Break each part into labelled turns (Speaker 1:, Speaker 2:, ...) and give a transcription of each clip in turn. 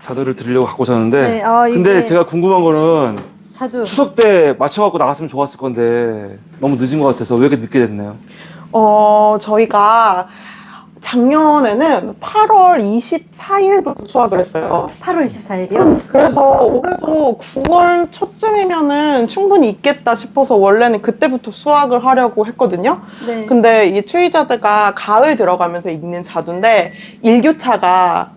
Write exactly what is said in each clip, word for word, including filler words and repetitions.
Speaker 1: 자두를 드리려고 갖고 오셨는데
Speaker 2: 네, 아, 이게-
Speaker 1: 근데 제가 궁금한 거는
Speaker 2: 자두.
Speaker 1: 추석 때 맞춰갖고 나갔으면 좋았을 건데 너무 늦은 것 같아서 왜 이렇게 늦게 됐나요?
Speaker 3: 어, 저희가 작년에는 팔월 이십사일부터 수확을 했어요.
Speaker 2: 팔월 이십사일이요?
Speaker 3: 그래서 올해도 구월 초쯤이면은 충분히 있겠다 싶어서 원래는 그때부터 수확을 하려고 했거든요.
Speaker 2: 네.
Speaker 3: 근데 이 추위자드가 가을 들어가면서 익는 자두인데 일교차가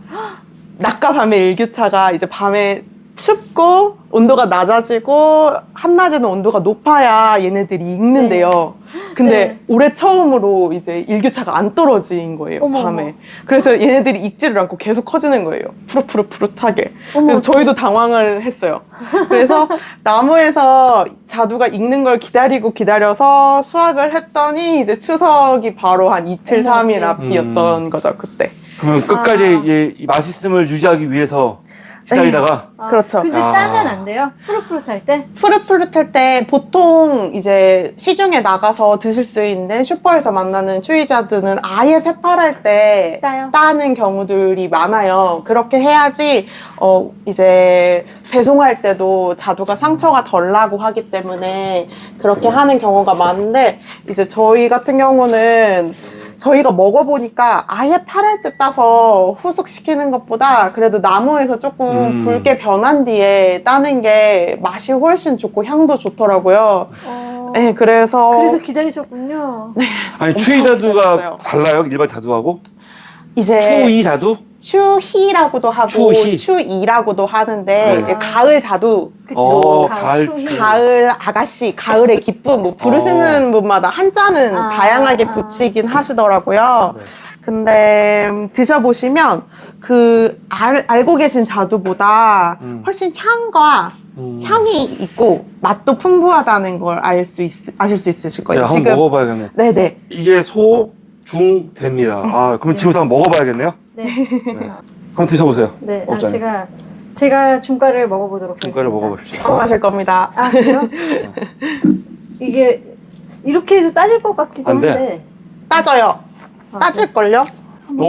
Speaker 3: 낮과 밤의 일교차가 이제 밤에 춥고 온도가 낮아지고 한낮에는 온도가 높아야 얘네들이 익는데요. 근데
Speaker 2: 네.
Speaker 3: 올해 처음으로 이제 일교차가 안 떨어진 거예요.
Speaker 2: 어머,
Speaker 3: 밤에.
Speaker 2: 어머.
Speaker 3: 그래서 얘네들이 익지를 않고 계속 커지는 거예요. 푸릇푸릇푸릇하게.
Speaker 2: 어머,
Speaker 3: 그래서
Speaker 2: 어떡해.
Speaker 3: 저희도 당황을 했어요. 그래서 나무에서 자두가 익는 걸 기다리고 기다려서 수확을 했더니 이제 추석이 바로 한 이틀,
Speaker 2: 어머,
Speaker 3: 삼일
Speaker 2: 어떡해.
Speaker 3: 앞이었던 거죠, 그때.
Speaker 1: 그러면 끝까지
Speaker 2: 아.
Speaker 1: 이제 이 맛있음을 유지하기 위해서 기다리다가
Speaker 2: 아,
Speaker 3: 그렇죠.
Speaker 2: 근데
Speaker 1: 아.
Speaker 2: 따면 안 돼요? 푸릇푸릇할 때?
Speaker 3: 푸릇푸릇할 때 보통 이제 시중에 나가서 드실 수 있는 슈퍼에서 만나는 추위자두는 아예 새파랄 때
Speaker 2: 따요?
Speaker 3: 따는 경우들이 많아요. 그렇게 해야지 어 이제 배송할 때도 자두가 상처가 덜 나고 하기 때문에 그렇게 하는 경우가 많은데 이제 저희 같은 경우는 저희가 먹어보니까 아예 팔할 때 따서 후숙시키는 것보다 그래도 나무에서 조금
Speaker 1: 음.
Speaker 3: 붉게 변한 뒤에 따는 게 맛이 훨씬 좋고 향도 좋더라고요.
Speaker 2: 어...
Speaker 3: 네, 그래서
Speaker 2: 그래서 기다리셨군요.
Speaker 1: 아니
Speaker 3: 엄청
Speaker 1: 추위 자두가
Speaker 3: 기다렸어요.
Speaker 1: 달라요? 일반 자두하고?
Speaker 3: 이제
Speaker 1: 추위 자두?
Speaker 3: 추희라고도 하고
Speaker 1: 추희.
Speaker 3: 추이라고도 하는데
Speaker 1: 네.
Speaker 3: 이게 가을 자두,
Speaker 2: 그쵸.
Speaker 1: 어,
Speaker 2: 가을
Speaker 1: 가을
Speaker 2: 추위.
Speaker 1: 추위.
Speaker 3: 가을 아가씨, 가을의 기쁨 뭐 부르시는 분마다 한자는
Speaker 2: 아,
Speaker 3: 다양하게
Speaker 2: 아.
Speaker 3: 붙이긴 하시더라고요.
Speaker 1: 네.
Speaker 3: 근데 음, 드셔보시면 그 알, 알고 계신 자두보다
Speaker 1: 음.
Speaker 3: 훨씬 향과
Speaker 1: 음.
Speaker 3: 향이 있고 맛도 풍부하다는 걸 알 수 있, 아실 수 있으실 거예요.
Speaker 1: 야, 한번 먹어봐야겠네.
Speaker 3: 네네.
Speaker 1: 이게 소, 중, 대입니다. 아, 그럼 지금부터 한번 먹어봐야겠네요.
Speaker 2: 네.
Speaker 1: 네. 한번 드셔보세요.
Speaker 2: 네. 아,
Speaker 1: 먹자니.
Speaker 2: 제가 제가 중가를 먹어보도록
Speaker 1: 중가를
Speaker 2: 하겠습니다.
Speaker 1: 먹어봅시다.
Speaker 3: 하실 겁니다.
Speaker 2: 아, 그래요? 이게 이렇게 해도 따질 것 같기도
Speaker 1: 안 돼.
Speaker 2: 한데.
Speaker 3: 따져요.
Speaker 2: 아,
Speaker 3: 따질걸요?
Speaker 1: 오!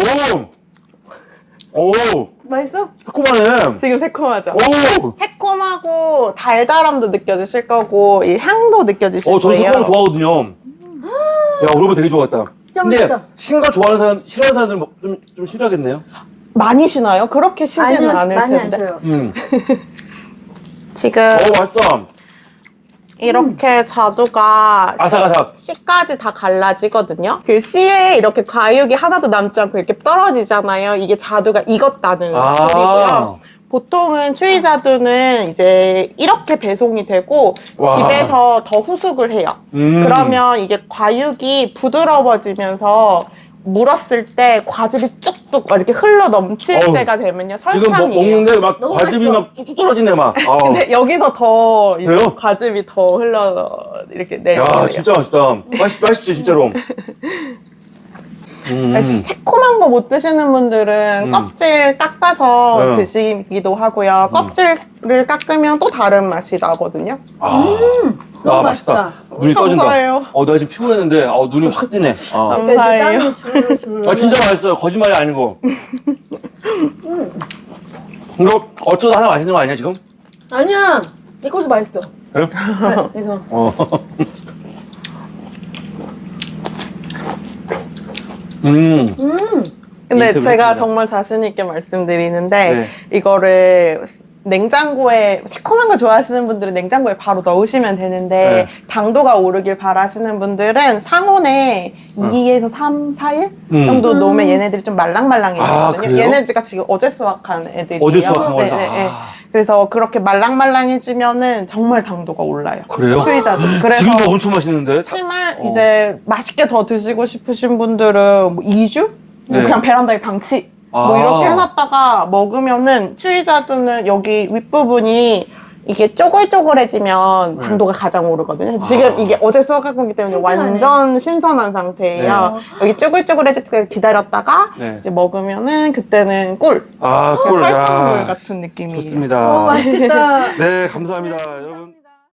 Speaker 1: 오!
Speaker 2: 맛있어?
Speaker 1: 새콤하네.
Speaker 3: 지금 새콤하죠?
Speaker 1: 오!
Speaker 3: 새콤하고 달달함도 느껴지실 거고 이 향도 느껴지실
Speaker 1: 어, 저
Speaker 3: 거예요.
Speaker 1: 새콤한 거 좋아하거든요. 야, 그러면 되게 좋았다.
Speaker 2: 진짜
Speaker 1: 근데
Speaker 2: 맛있다.
Speaker 1: 신 거 좋아하는 사람, 싫어하는 사람들은 뭐 좀, 좀 싫어하겠네요.
Speaker 3: 많이 쉬나요? 그렇게 쉬지는
Speaker 2: 아니요,
Speaker 3: 않을
Speaker 2: 많이 안
Speaker 3: 텐데.
Speaker 2: 줘요.
Speaker 1: 음.
Speaker 3: 지금
Speaker 1: 어, 맛있다.
Speaker 3: 이렇게 자두가
Speaker 1: 아삭아삭.
Speaker 3: 씨까지 다 갈라지거든요. 그 씨에 이렇게 과육이 하나도 남지 않고 이렇게 떨어지잖아요. 이게 자두가 익었다는
Speaker 1: 아.
Speaker 3: 소리고요. 보통은 추위자두는 이제 이렇게 배송이 되고
Speaker 1: 와.
Speaker 3: 집에서 더 후숙을 해요.
Speaker 1: 음.
Speaker 3: 그러면 이게 과육이 부드러워지면서 물었을 때 과즙이 쭉쭉 이렇게 흘러 넘칠
Speaker 1: 어우,
Speaker 3: 때가 되면요
Speaker 1: 지금 뭐,
Speaker 3: 설탕이에요.
Speaker 1: 먹는데 막
Speaker 2: 너무
Speaker 1: 과즙이
Speaker 2: 맛있어.
Speaker 1: 막 쭉쭉 떨어지네, 막. 아.
Speaker 3: 근데 여기서 더 이제
Speaker 1: 그래요?
Speaker 3: 과즙이 더 흘러 이렇게 내려요.
Speaker 1: 야, 진짜 맛있다. 맛있, 맛있지, 진짜로. 음.
Speaker 3: 새콤한 거 못 드시는 분들은
Speaker 1: 음.
Speaker 3: 껍질 깎아서
Speaker 1: 네.
Speaker 3: 드시기도 하고요. 껍질을 깎으면 또 다른 맛이 나거든요.
Speaker 1: 아,
Speaker 2: 너무
Speaker 1: 아,
Speaker 2: 맛있다.
Speaker 1: 눈이 떠진다.
Speaker 3: 감사해요.
Speaker 1: 어, 나 지금 피곤했는데, 어, 눈이 확 뜨네. 아,
Speaker 3: 감사해요.
Speaker 2: 땀이 주르르 주르르.
Speaker 1: 아 진짜 맛있어요. 거짓말이 아니고. 이거 어쩌다 하나 맛있는 거 아니야, 지금?
Speaker 2: 아니야. 이것도 맛있어.
Speaker 1: 그래요?
Speaker 2: 아, 이거.
Speaker 1: 어. 음.
Speaker 2: 음.
Speaker 3: 근데
Speaker 1: 인터뷰
Speaker 3: 제가
Speaker 1: 했습니다.
Speaker 3: 정말 자신 있게 말씀드리는데
Speaker 1: 네.
Speaker 3: 이거를 냉장고에 새콤한 거 좋아하시는 분들은 냉장고에 바로 넣으시면 되는데
Speaker 1: 네.
Speaker 3: 당도가 오르길 바라시는 분들은 상온에 이에서 삼, 사 일
Speaker 1: 음.
Speaker 3: 정도
Speaker 2: 음.
Speaker 3: 놓으면 얘네들이 좀
Speaker 1: 아,
Speaker 3: 말랑말랑해지거든요.
Speaker 1: 그래요?
Speaker 3: 얘네들가 지금 어제 수확한 애들이에요.
Speaker 1: 어제 수확한
Speaker 3: 네,
Speaker 1: 거다.
Speaker 3: 네, 네.
Speaker 1: 아.
Speaker 3: 그래서 그렇게 말랑말랑해지면은 정말 당도가 올라요.
Speaker 1: 그래요?
Speaker 3: 추위자도. 그래서
Speaker 1: 지금도 엄청 맛있는데?
Speaker 3: 심할
Speaker 1: 어.
Speaker 3: 이제 맛있게 더 드시고 싶으신 분들은 뭐 이 주? 뭐
Speaker 1: 네.
Speaker 3: 그냥 베란다에 방치 뭐
Speaker 1: 아.
Speaker 3: 이렇게 해놨다가 먹으면은 추위자두는 여기 윗부분이 이게 쪼글쪼글해지면
Speaker 1: 네.
Speaker 3: 당도가 가장 오르거든요. 지금
Speaker 1: 아.
Speaker 3: 이게 어제 수확한 거기 때문에
Speaker 2: 튼튼하네.
Speaker 3: 완전 신선한 상태예요. 여기 쪼글쪼글해질 때 기다렸다가
Speaker 1: 네.
Speaker 3: 이제 먹으면은 그때는 꿀.
Speaker 1: 아,
Speaker 3: 그냥
Speaker 1: 꿀.
Speaker 3: 살꿀
Speaker 1: 야.
Speaker 3: 같은 느낌이에요.
Speaker 1: 좋습니다.
Speaker 2: 어, 맛있겠다.
Speaker 1: 네, 감사합니다. 여러분.